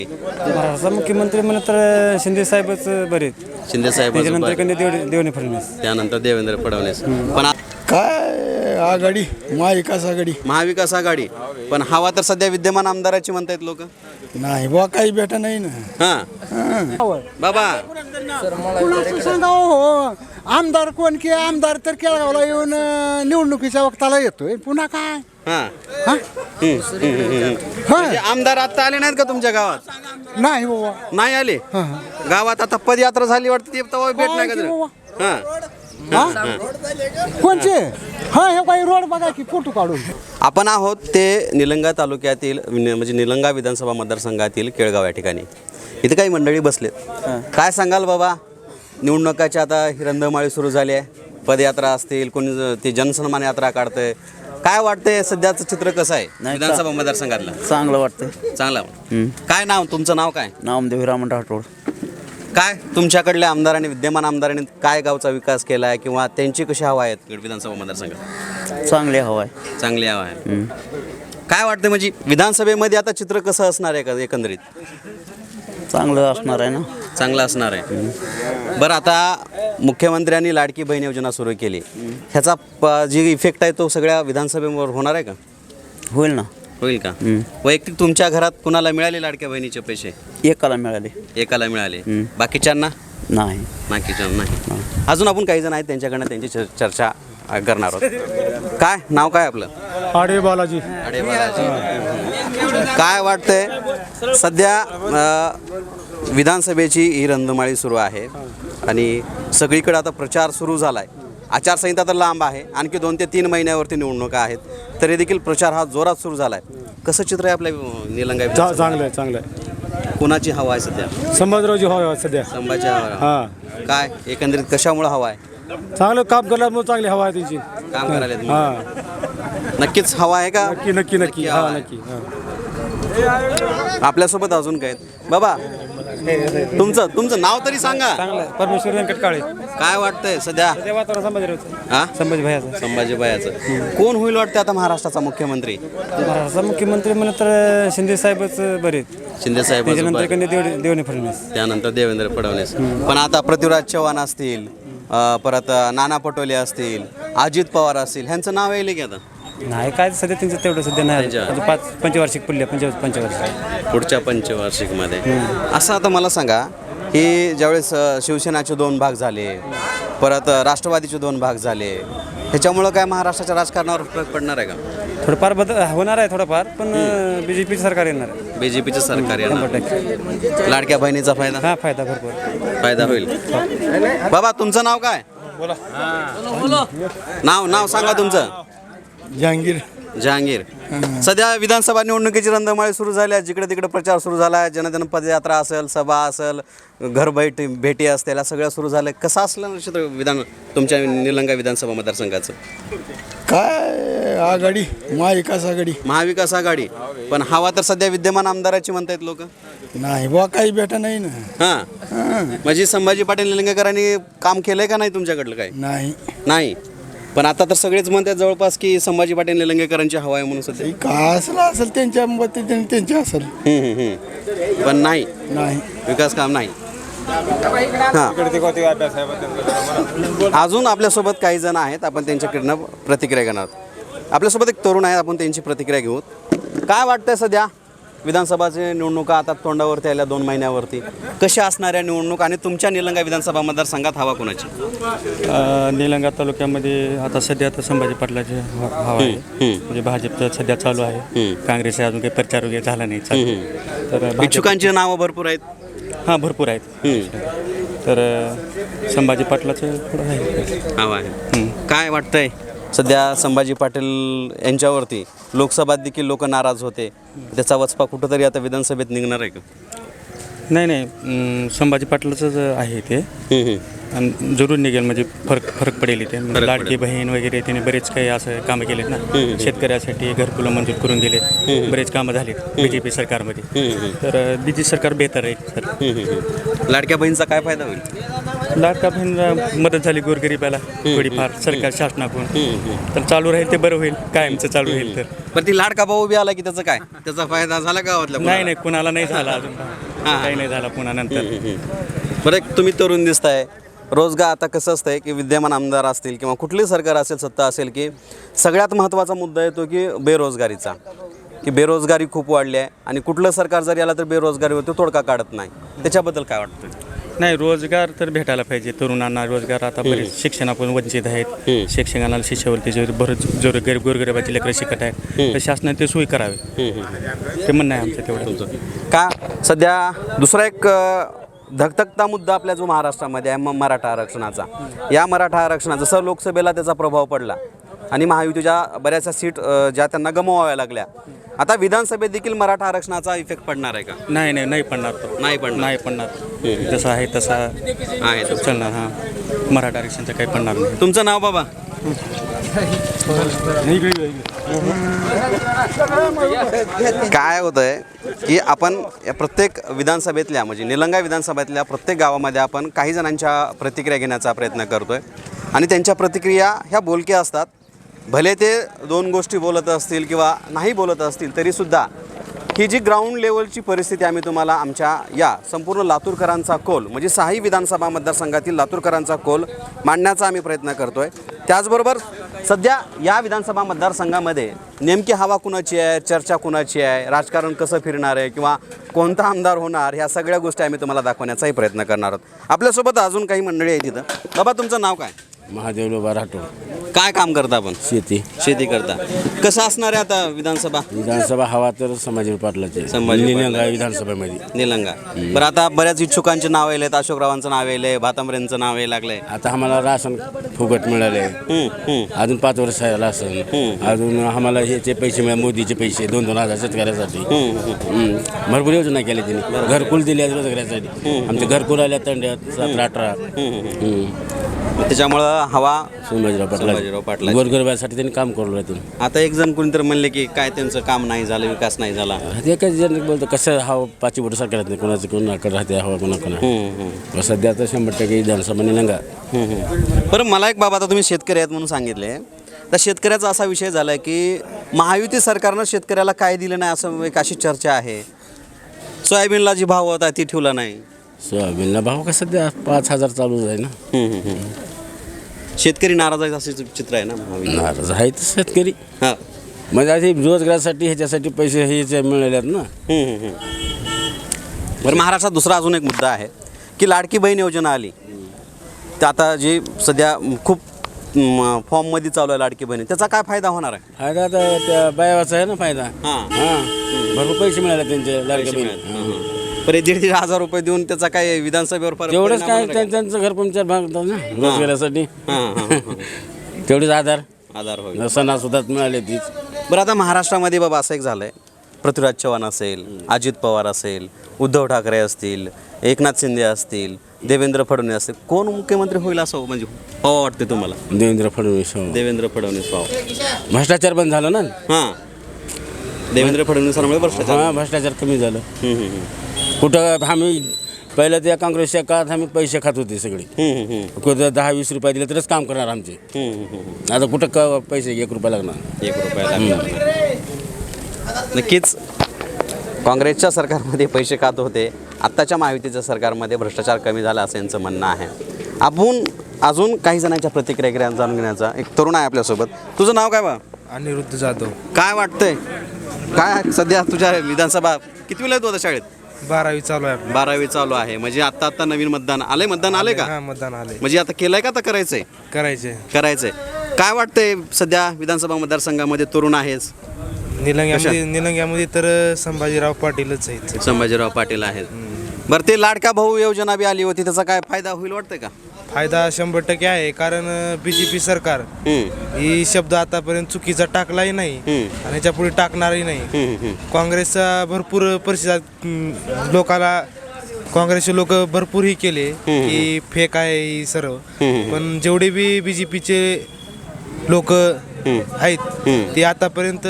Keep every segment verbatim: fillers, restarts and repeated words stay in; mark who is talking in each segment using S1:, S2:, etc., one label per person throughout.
S1: महाराष्ट्राचा मुख्यमंत्री म्हणलं तर शिंदे साहेबच बरे आहेत.
S2: शिंदे साहेब
S1: त्याच्यानंतर कधी देव देवणे फडणवीस.
S2: त्यानंतर देवेंद्र फडणवीस. पण आ-
S3: काय आघाडी महाविकास आघाडी
S2: महाविकास आघाडी. पण हवा तर सध्या विद्यमान आमदाराची म्हणतायत लोक.
S3: नाही बुवा काही भेटा नाही ना.
S2: हा बाबा
S4: हो आमदार कोण की आमदार तर केळगावला येऊन अं, निवडणुकीच्या वक्ताला येतोय पुन्हा काय
S2: हा
S4: हा?
S2: म्हणजे आमदार आता आले नाहीत का तुमच्या गावात?
S4: नाही बाबा
S2: नाही आले गावात. आता पदयात्रा झाली वाटते ती तेव्हा भेट नाही का तुला? हा
S4: हा? कोणचे हा हे काही रोड बघा की फोटो काढून.
S2: आपण आहोत ते निलंगा तालुक्यातील नि- म्हणजे निलंगा विधानसभा मतदारसंघातील केळगाव या ठिकाणी. इथे काही मंडळी बसलेत. काय सांगाल बाबा, निवडणुकाची आता ही रंधमाळी सुरू झाली आहे. पदयात्रा असतील, कोणी ज- ते जनसन्मान यात्रा काढतंय. काय वाटतंय सध्याचं चित्र कसं आहे विधानसभा मतदारसंघातलं?
S5: चांगलं वाटतं.
S2: चांगलं. काय नाव तुमचं? नाव काय?
S5: नामदेव रामन राठोड.
S2: काय तुमच्याकडल्या आमदारांनी विद्यमान आमदारांनी काय गावचा विकास केला आहे किंवा त्यांची कशी हवा आहेत विधानसभा मतदारसंघात?
S5: चांगले हवा आहे.
S2: चांगली हवा आहे. काय वाटतं म्हणजे विधानसभेमध्ये आता चित्र कसं असणार आहे का एकंदरीत?
S5: चांगलं असणार आहे ना.
S2: चांगलं असणार आहे. बरं, आता मुख्यमंत्र्यांनी लाडकी बहीण योजना सुरू केली. ह्याचा प- जी इफेक्ट आहे तो सगळ्या विधानसभेवर होणार आहे का?
S5: होईल ना.
S2: होईल का? वैयक्तिक तुमच्या घरात कुणाला मिळाले लाडक्या बहिणीचे पैसे?
S5: एकाला मिळाले.
S2: एकाला मिळाले. बाकीच्यांना
S5: नाही.
S2: बाकीच्यांना नाही. अजून आपण काही जण आहेत त्यांच्याकडनं त्यांची चर- चर्चा अ, करणार आहोत. काय नाव काय आपलं?
S4: आडे बालाजी.
S2: अडे बालाजी. काय वाटतंय सध्या अ, विधानसभेची ही रंधमाळी सुरू आहे आणि सगळीकडे आता प्रचार सुरू झाला आहे. आचारसंहिता तर लांब आहे, आणखी दोन ते तीन महिन्यावरती निवडणुका आहेत, तरी देखील प्रचार हा जोरात सुरू झाला आहे. कसं चित्र आहे आपल्या अ, निलंगा विधानसभेचं?
S4: चांगलं आहे चांगलं आहे.
S2: कोणाची हवा आहे सध्या?
S4: संभाजीरावजी हवा सध्या.
S2: संभाजी हवा.
S4: हा
S2: काय एकंदरीत कशामुळे हवा आहे?
S4: चांगलं काम करण्यामुळे चांगली हवा आहे त्यांची.
S2: काम करायला तुम्ही?
S4: हा
S2: नक्कीच हवा आहे का?
S4: नक्की नक्की नक्की
S2: हवा
S4: हा
S2: आहे.
S4: नक्की हा.
S2: आपल्यासोबत अजून काय आहेत? बाबा तुमचं तुमचं नाव तरी सांगा.
S1: चांगलं आहे. परमेश्वर व्यंकट काळे.
S2: काय वाटतंय सध्या?
S1: ते वातावरण संभाजीरावचं.
S2: हा
S1: संभाजी भयाचं.
S2: संभाजी बयाचं. कोण होईल वाटतं आता महाराष्ट्राचा मुख्यमंत्री?
S1: महाराष्ट्राचा मुख्यमंत्री म्हणलं तर शिंदे साहेबच बरे आहेत.
S2: शिंदे साहेब.
S1: त्याच्यानंतर कधी देव देवणे फडणवीस.
S2: त्यानंतर देवेंद्र फडणवीस. पण आता पृथ्वीराज चव्हाण असतील, अं, परत अं, नाना पटोले असतील, अजित पवार असतील, ह्यांचं नाव येईल की आता
S1: नाही काय सध्या त्यांचं तेवढं सध्या नाही.
S2: त्यांच्या-
S1: आता पाच पंचवार्षिक पुढल्या पंच पंचवार्षिक.
S2: पुढच्या पंचवार्षिकमध्ये? असं आता मला सांगा की ज्यावेळेस अ, शिवसेनाचे दोन भाग झाले, परत अ, राष्ट्रवादीचे दोन भाग झाले, ह्याच्यामुळं काय महाराष्ट्राच्या राजकारणावर फरक पडणार आहे का?
S1: थोडंफार बदल होणार आहे थोडंफार, पण बी जे पीचं सरकार येणार आहे.
S2: बी जे पीचं सरकार
S1: शंभर
S2: येणार.
S1: टक्के.
S2: लाडक्या बहिणीचा फायदा
S1: हा फायदा भरपूर.
S2: फायदा होईल. बाबा तुमचं नाव काय? नाव नाव सांगा तुमचं.
S3: जहांगीर.
S2: जहांगीर. सध्या विधानसभा निवडणुकीची रंधमाळी सुरू झाली आहे. जिकडे तिकडे प्रचार सुरू झाला आहे. जनजन पदयात्रा असेल, सभा असेल, घर भेटी भेटी असतील, या सगळ्या सुरू झाल्या. कसं असलं चित्र विधान तुमच्या निलंगा विधानसभा मतदारसंघाचं?
S3: काय आघाडी महाविकास आघाडी.
S2: महाविकास आघाडी. पण हवा तर सध्या विद्यमान आमदाराची म्हणतायत लोक.
S3: नाही बुवा काही भेटा नाही ना.
S2: हां
S3: हा.
S2: म्हणजे संभाजी पाटील निलंगेकरांनी काम केलंय का नाही तुमच्याकडलं काय?
S3: नाही
S2: नाही. पण आता तर सगळेच म्हणतात जवळपास की संभाजी पाटील निलंगेकरांची हवा आहे म्हणून सध्या.
S3: काय असलं असेल त्यांच्या मते त्यांचे असेल.
S2: हम्म, हम्म, हम्म. पण नाही
S3: नाही
S2: विकास काम नाही. हां अजून आपल्यासोबत काही जण आहेत, आपण त्यांच्याकडनं प्रतिक्रिया घेणार आहोत. आपल्यासोबत एक तरुण आहे, आपण त्यांची प्रतिक्रिया घेऊ. काय वाटतंय सध्या विधानसभाची निवडणुका आता तोंडावरती आल्या दोन महिन्यावरती, कशा असणाऱ्या निवडणूक आणि तुमच्या निलंगा विधानसभा मतदारसंघात हवा कोणाची?
S1: निलंगा तालुक्यामध्ये आता सध्या आता संभाजी पाटलाची ह- हवा आहे. म्हणजे भाजपचं सध्या चालू आहे. काँग्रेस अजून काही प्रचार वगैरे झाला नाही चालू. तर भाजप-
S2: इच्छुकांची नावं भरपूर आहेत.
S1: हां भरपूर आहेत. तर अ, संभाजी पाटलाचं थोडं आहे.
S2: हवा आहे. काय वाटतंय सध्या संभाजी पाटील यांच्यावरती लोकसभेत देखील लोक नाराज होते, त्याचा वचपा कुठंतरी आता विधानसभेत निघणार आहे का?
S1: नाही नाही अं, संभाजी पाटलाचंच आहे ते. आणि जरूर निघेल, म्हणजे फरक फरक पडेल इथे.
S2: पडेल.
S1: लाडकी बहीण वगैरे त्याने बरेच काही असं कामं केलेत ना. शेतकऱ्यासाठी घरकुलं मंजूर करून दिले, बरेच कामं झालीत बी जे पी सरकारमध्ये. तर बी जे सरकार बेहतर आहे सर.
S2: लाडक्या बहिणीचा काय फायदा होईल?
S1: लाडका बहीण मदत झाली गोरगरिबाला थोडीफार सरकार शासनाकडून तर चालू राहील ते बरं होईल कायमचं चालू राहील तर
S2: पण ती लाडका भाऊ बी आला की त्याचं काय त्याचा फायदा झाला गावातल्या
S1: नाही नाही कुणाला नाही झाला अजून काही नाही झाला पुन्हा नंतर
S2: बरं एक तुम्ही तरुण दिसताय रोजगार आता कसं असतंय की विद्यमान आमदार असतील किंवा कुठलीही सरकार असेल सत्ता असेल की सगळ्यात महत्त्वाचा मुद्दा येतो की बेरोजगारीचा की बेरोजगारी खूप वाढली आहे आणि कुठलं सरकार जरी आला तर बेरोजगारीवरती तोडगा काढत नाही त्याच्याबद्दल काय वाटतं
S1: नाही रोजगार तर भेटायला पाहिजे तरुणांना रोजगार आता बरेच शिक्षणापासून वंचित आहेत शिक्षकांना शिष्यवृत्ती जे बरेच जो गरीब गोरगरिबाची लेकरं शिकत आहेत तर शासनाने ते सोयी करावे ते म्हणणं आहे आमचं तेवढं
S2: का सध्या दुसरा एक अ, धगधगता मुद्दा आपल्या जो महाराष्ट्रामध्ये आहे म- मराठा आरक्षणाचा या मराठा आरक्षणा जसं लोकसभेला त्याचा प्रभाव पडला आणि महायुतीच्या बऱ्याचशा सीट अ, ज्या त्यांना गमवाव्या लागल्या आता विधानसभेत देखील मराठा आरक्षणाचा इफेक्ट पडणार आहे का
S1: नाही नाही नाही पडणार तो
S2: नाही पडणार
S1: नाही पडणार जसं आहे तसा
S2: आहे तो.
S1: चालणार हां मराठा आरक्षणचं काही पडणार नाही
S2: तुमचं नाव बाबा काय होतंय की आपण या प्रत्येक विधानसभेतल्या म्हणजे निलंगा विधानसभेतल्या प्रत्येक गावामध्ये आपण काही जणांच्या प्रतिक्रिया घेण्याचा प्रयत्न करतोय आणि त्यांच्या प्रतिक्रिया ह्या बोलक्या असतात भले ते दोन गोष्टी बोलत असतील किंवा नाही बोलत असतील तरीसुद्धा ही जी ग्राउंड लेवलची परिस्थिती आम्ही तुम्हाला आमच्या या संपूर्ण लातूरकरांचा कोल म्हणजे सहाही विधानसभा मतदारसंघातील लातूरकरांचा कोल मांडण्याचा आम्ही प्रयत्न करतोय त्याचबरोबर सध्या या विधानसभा मतदारसंघामध्ये नेमकी हवा कुणाची आहे चर्चा कुणाची आहे राजकारण कसं फिरणार आहे किंवा कोणता आमदार होणार ह्या सगळ्या गोष्टी आम्ही तुम्हाला दाखवण्याचाही प्रयत्न करणार आहोत आपल्यासोबत अजून काही मंडळी आहे तिथं बाबा तुमचं नाव काय
S6: महादेव लोबा राठोड
S2: काय काम करता आपण
S6: शेती
S2: शेती करता कसं असणार आहे आता विधानसभा
S6: विधानसभा हवा तर संभाजी पाटलाचे
S2: संभाजी
S6: निलंगा विधानसभेमध्ये
S2: निलंगा बरं आता बऱ्याच इच्छुकांचे नाव येलेत अशोकरावांचं नाव येले भातांबरेंचं नाव यायला लागलंय
S6: आता आम्हाला राशन फुकट मिळाले
S2: हम्म, हम्म.
S6: अजून पाच वर्ष आहे राशन अजून आम्हाला ह्याचे पैसे मिळाले मोदीचे पैसे दोन दोन हजार शेतकऱ्यासाठी हम्म. भरपूर योजना केल्या त्यांनी घरकुल दिली आहे रोजगारासाठी आमचे घरकुल आल्या तंड्यात सतरा अठरा
S2: त्याच्यामुळं हवा
S6: संभाजीराव
S2: संभाजीराव
S6: पाटला
S2: पाटलाचे.
S6: गोरगरिबासाठी त्यांनी काम करू राहतील
S2: आता एक जण कोणीतरी म्हणले की काय त्यांचं काम नाही झालं विकास नाही झाला
S6: ते काही जण बोलतं कसं हवा पाचवी बोट सरकार नाही कोणाचं कोणाकडे राहते हवा कोणाकडे
S2: हम्म, हम्म.
S6: सध्या तर शंभर टक्के विधानसभा निलंगा
S2: हम्म, हम्म. बरं मला एक बाबा आता तुम्ही शेतकरी आहेत म्हणून सांगितले तर शेतकऱ्याचा असा विषय झाला की महायुती सरकारनं शेतकऱ्याला काय दिलं नाही असं एक अशी चर्चा आहे सोयाबीनला जी भाव होता ती ठेवला नाही
S6: सोयाबीनला भाव का सध्या पाच हजार चालूच आहे ना
S2: हम्म, हम्म, हम्म. शेतकरी नाराज आहे असं चित्र आहे ना महायुती.
S6: नाराज आहेत शेतकरी
S2: हा
S6: म्हणजे असे रोजगारासाठी ह्याच्यासाठी पैसे हे मिळाले आहेत ना
S2: हम्म, हम्म, हम्म. बरं महाराष्ट्रात दुसरा अजून एक मुद्दा आहे की लाडकी बहीण योजना आली तर आता जी सध्या खूप म, फॉर्ममध्ये चालू आहे लाडकी बहीण त्याचा काय फायदा होणार आहे
S6: फायदा आता त्या बायावाचा आहे ना फायदा
S2: हां
S6: हां भरपूर पैसे मिळाले त्यांचे लाडक्या बहिणी
S2: बरे दीड दीड हजार रुपये देऊन त्याचा काय विधानसभेवर फरक
S6: तेवढंच
S2: परिणाम
S6: काय
S2: होणार
S6: त्यां- त्यांचं घर पंचायत भागतात ना रोजगारासाठी
S2: हां, हां, हां.
S6: तेवढेच आधार
S2: आधार होईल
S6: सणासुदात मिळाले तीच
S2: बरं आता महाराष्ट्रामध्ये बाबा असं एक झालं आहे पृथ्वीराज चव्हाण असेल अजित पवार असेल उद्धव ठाकरे असतील एकनाथ शिंदे असतील देवेंद्र फडणवीस असतील कोण मुख्यमंत्री होईल असं म्हणजे हो वाटते तुम्हाला
S6: देवेंद्र फडणवीस हो.
S2: देवेंद्र फडणवीस भाऊ
S6: भ्रष्टाचार बंद झालं ना
S2: हां देवेंद्र फडणवीसांमुळे भ्रष्टाचार
S6: हां भ्रष्टाचार कमी झालं
S2: हम्म, हम्म, हम्म.
S6: कुठं आम्ही पहिलं त्या काँग्रेसच्या काळात आम्ही पैसे खात होते सगळे
S2: हम्म, हम्म,
S6: कुठं दहा वीस रुपये दिले तरच काम करणार आमचे
S2: हम्म, हम्म, हम्म.
S6: आता कुठं क पैसे एक रुपया लागणार
S2: एक रुपया लागणार. नक्कीच काँग्रेसच्या सरकारमध्ये पैसे खात होते आत्ताच्या महायुतीच्या सरकारमध्ये भ्रष्टाचार कमी झाला असं यांचं म्हणणं आहे आपण अजून काही जणांच्या प्रतिक्रिया जाणून घेण्याचा एक तरुण आहे आपल्यासोबत तुझं नाव काय बा
S7: अनिरुद्ध जाधव
S2: काय वाटतंय काय सध्या तुझ्या विधानसभा किती वेळा तू आता शाळेत
S7: बारावी चालू आहे आपली.
S2: बारावी चालू आहे म्हणजे आता आता नवीन मतदान आलंय मतदान आलंय का
S7: हा मतदान आले
S2: म्हणजे आता केलंय का आता करायचंय
S7: करायचे
S2: करायचंय काय वाटतंय सध्या विधानसभा मतदारसंघामध्ये तरुण आहेस
S7: निलंग्यामध्ये निलंग्यामध्ये तर संभाजीराव पाटीलच आहेत
S2: संभाजीराव पाटील आहेत बरं ते लाडका भाऊ योजना बी आली होती त्याचा काय फायदा होईल वाटतंय का
S7: फायदा शंभर टक्के आहे कारण बी जे पी सरकार
S2: हम्म,
S7: ही शब्द आतापर्यंत चुकीचा टाकलाही नाही
S2: हम्म.
S7: आणि याच्या पुढे टाकणारही नाही
S2: हम्म, हम्म.
S7: काँग्रेसचा भरपूर परिषद लोकाला काँग्रेसचे लोक भरपूर ही केले की फेक आहे ही सर्व पण जेवढे बी बी जे पीचे लोक आहेत ते आतापर्यंत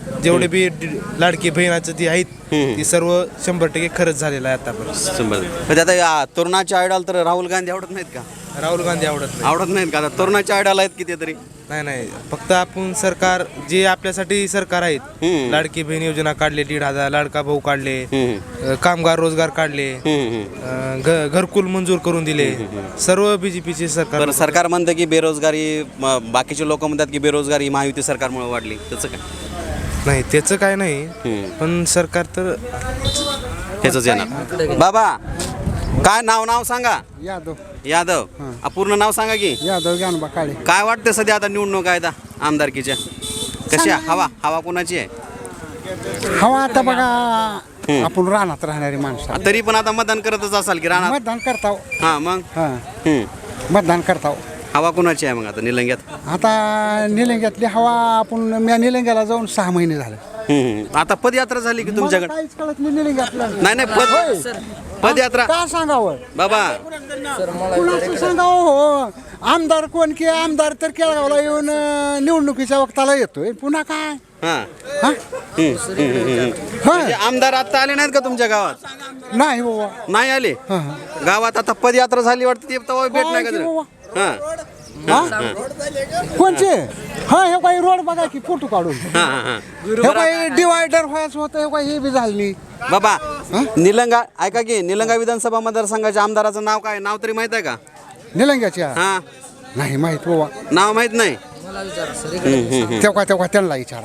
S7: जेवढे बी ड- लाडकी बहिणाचं ती आहेत ती सर्व शंभर टक्के खरंच झालेलं आहे आतापर्यंत.
S2: शंभर म्हणजे आता या तरुणाच्या आयडॉल तर राहुल गांधी आवडत नाहीत का?
S7: राहुल गांधी आवडत नाही.
S2: आवडत नाहीत का? आता तरुणाच्या आयडॉल आहेत किती तरी.
S7: नाही नाही फक्त आपण सरकार जे आपल्यासाठी सरकार आहेत
S2: हम्म.
S7: लाडकी बहीण योजना काढले, दीड हजार लाडका भाऊ काढले,
S2: हम्म.
S7: अ, कामगार रोजगार काढले,
S2: हम्म, हम्म.
S7: अ, घ- घरकुल मंजूर करून दिले. सर्व बीजेपीचे सरकार.
S2: बरं सरकार म्हणतं की बेरोजगारी म, बाकीचे लोक म्हणतात की बेरोजगारी ही महायुती सरकारमुळे वाढली, त्याचं काय?
S7: नाही त्याचं काय नाही
S2: हम्म.
S7: पण सरकार तर
S2: त्याचंच येणार. बाबा काय नाव नाव सांगा?
S4: यादव
S2: यादव. आ, पूर्ण नाव सांगा की.
S4: यादव ज्ञानोबा काळे.
S2: काय वाटतं सध्या आता निवडणूक आहे आता आमदारकीच्या कशी आहे? हवा हवा कोणाची आहे?
S4: हवा आता बघा आपण रानात राहणारी माणसं
S2: आ, तरी पण आता मतदान करतच असाल की राहणार.
S4: मतदान करताव.
S2: हा मग
S4: हा
S2: हम्म.
S4: मतदान करताव.
S2: हवा कोणाची आहे मग आता निलंग्यात?
S4: आता निलंग्यातली हवा आपण मी निलंग्याला जाऊन सहा महिने झाले.
S2: हम्म. आता पदयात्रा झाली की
S4: मला
S2: तुमच्याकडे?
S4: काहीच कळत नाही निलंग्यातलं.
S2: नाही नाही पद पदयात्रा
S4: का सांगावं
S2: बाबा.
S4: कुणाचं सांगावं हो. आमदार कोण की आमदार तर केळगावला येऊन अं, निवडणुकीच्या वक्ताला येतोय पुन्हा काय
S2: हा
S4: हा
S2: हम्म, हम्म, हम्म.
S4: हा
S2: म्हणजे आमदार आता आले नाहीत का तुमच्या गावात?
S4: नाही बाबा.
S2: नाही आले
S4: हा, हा.
S2: गावात आता पदयात्रा झाली वाटतं, ते तेव्हा भेट नाही का
S4: काय
S2: तुला?
S4: की
S2: हा
S4: हा? कोणचे हा हे काही रोड बघा की फोटो काढून
S2: हा हा हा
S4: हे काही डिवायडर व्हायचं होतं हे काही हे बी झालं नाही.
S2: बाबा निलंगा ऐका की निलंगा विधानसभा मतदारसंघाच्या आमदाराचं नाव काय? नाव तरी माहित आहे का?
S4: निलंग्याच्या
S2: हा
S4: नाही माहित बाबा.
S2: नाव माहित नाही.
S4: तेव्हा तेव्हा त्यांना विचारा.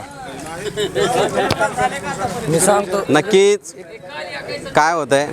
S8: मी सांगतो.
S2: नक्कीच काय होतंय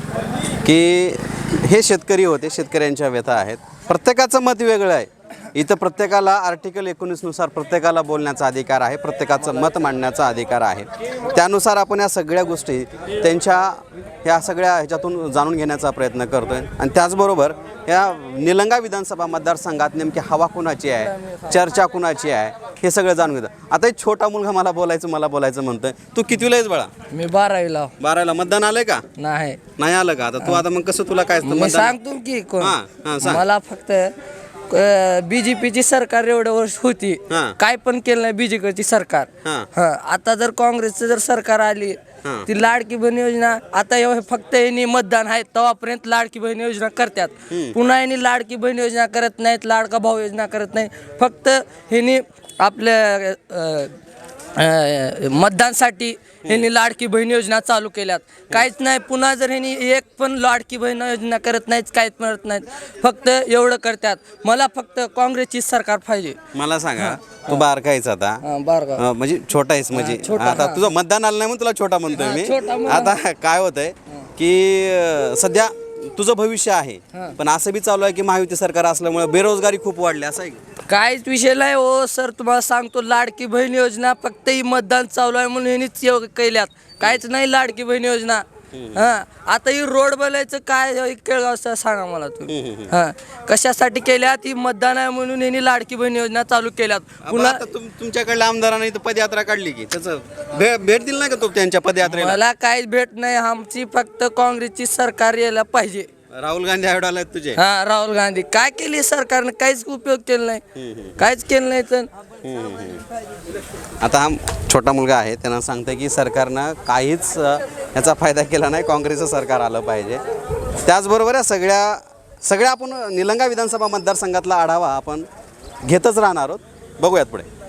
S2: की हे शेतकरी होते, शेतकऱ्यांच्या व्यथा आहेत. प्रत्येकाचं मत वेगळं आहे. इथं प्रत्येकाला आर्टिकल एकोणीसनुसार प्रत्येकाला बोलण्याचा अधिकार आहे, प्रत्येकाचं मत मांडण्याचा अधिकार आहे. त्यानुसार आपण या सगळ्या गोष्टी त्यांच्या ह्या सगळ्या ह्याच्यातून जाणून घेण्याचा प्रयत्न करतो आहे. आणि त्याचबरोबर या निलंगा विधानसभा मतदारसंघात नेमकी हवा कुणाची आहे, चर्चा कुणाची आहे, हे सगळं जाणून घेतं. आता एक छोटा मुलगा मला बोलायचं मला बोलायचं म्हणतोय. तू कितवीला आहेस बाळा?
S8: मी बारावीला
S2: बारावीला. मतदान आलंय का?
S8: नाही.
S2: नाही आलं का? आता तू आता मग कसं तुला काय असतं
S8: मी
S2: मतदान?
S8: सांगतो की कोण
S2: हा, हा, सांग.
S8: मला फक्त बीजेपीची सरकार एवढ्या वर्ष होती,
S2: हा.
S8: काय पण केलं नाही बीजेपीची सरकार.
S2: हा.
S8: हा, आता जर काँग्रेसचं जर सरकार आली
S2: हा.
S8: ती लाडकी बहीण योजना आता एवढे फक्त यांनी मतदान आहे तेव्हापर्यंत लाडकी बहीण योजना करतात. पुन्हा यांनी लाडकी बहीण योजना करत नाहीत, लाडका भाऊ योजना करत नाही. फक्त ह्यांनी आपल्या अं, अं, मतदानसाठी ह्यांनी लाडकी बहीण योजना चालू केल्यात. काहीच नाही. पुन्हा जर ह्यांनी एक पण लाडकी बहीण योजना करत नाहीत, काहीच करत नाहीत, फक्त एवढं करतात. मला फक्त काँग्रेसची सरकार पाहिजे.
S2: मला सांगा तू बारकायच आता
S8: हा, बारगाव.
S2: अं, म्हणजे छोटा आहेस म्हणजे
S8: छोटा,
S2: आता
S8: हा.
S2: तुझं मतदान आलं नाही म्हणून तुला छोटा म्हणतोय
S8: हा,
S2: मी.
S8: छोटा म्हणून.
S2: आता काय होतंय की अं, सध्या तुझं भविष्य आहे, पण असं बी चालू आहे की महायुती सरकार असल्यामुळे बेरोजगारी खूप वाढली, असं आहे का?
S8: काहीच विषय नाही हो सर. तुम्हाला सांगतो लाडकी बहीण योजना फक्त ही मतदान चालू आहे म्हणून ह्यांनीच एवढं केल्यात. काहीच नाही लाडकी बहीण योजना. हा, आता ही रोड बनायचं काय हे केळगावचं सांगा मला तुम्ही. हा, कशासाठी केल्यात? ही मतदान आहे म्हणून यांनी लाडकी बहीण योजना चालू केल्यात.
S2: पुन्हा
S8: पुन्हा
S2: तुम तुमच्याकडल्या आमदारांनी इथं पदयात्रा काढली की त्याचं भे- भेट दिली नाही का तू त्यांच्या पदयात्रेला?
S8: मला काहीच भेट नाही. आमची फक्त काँग्रेसची सरकार यायला पाहिजे.
S2: राहुल गांधी आयोडाला आहेत तुझे.
S8: हा, राहुल गांधी काय केली सरकारनं? काहीच उपयोग केला नाही, काहीच केलं नाही. तर
S2: आता हा छोटा मुलगा आहे, त्यांना सांगतं की सरकारनं काहीच अ, याचा फायदा केला नाही, काँग्रेसचं सरकार आलं पाहिजे. त्याचबरोबर या सगळ्या सगळ्या आपण निलंगा विधानसभा मतदारसंघातला आढावा आपण घेतच राहणार आहोत. बघूयात पुढे.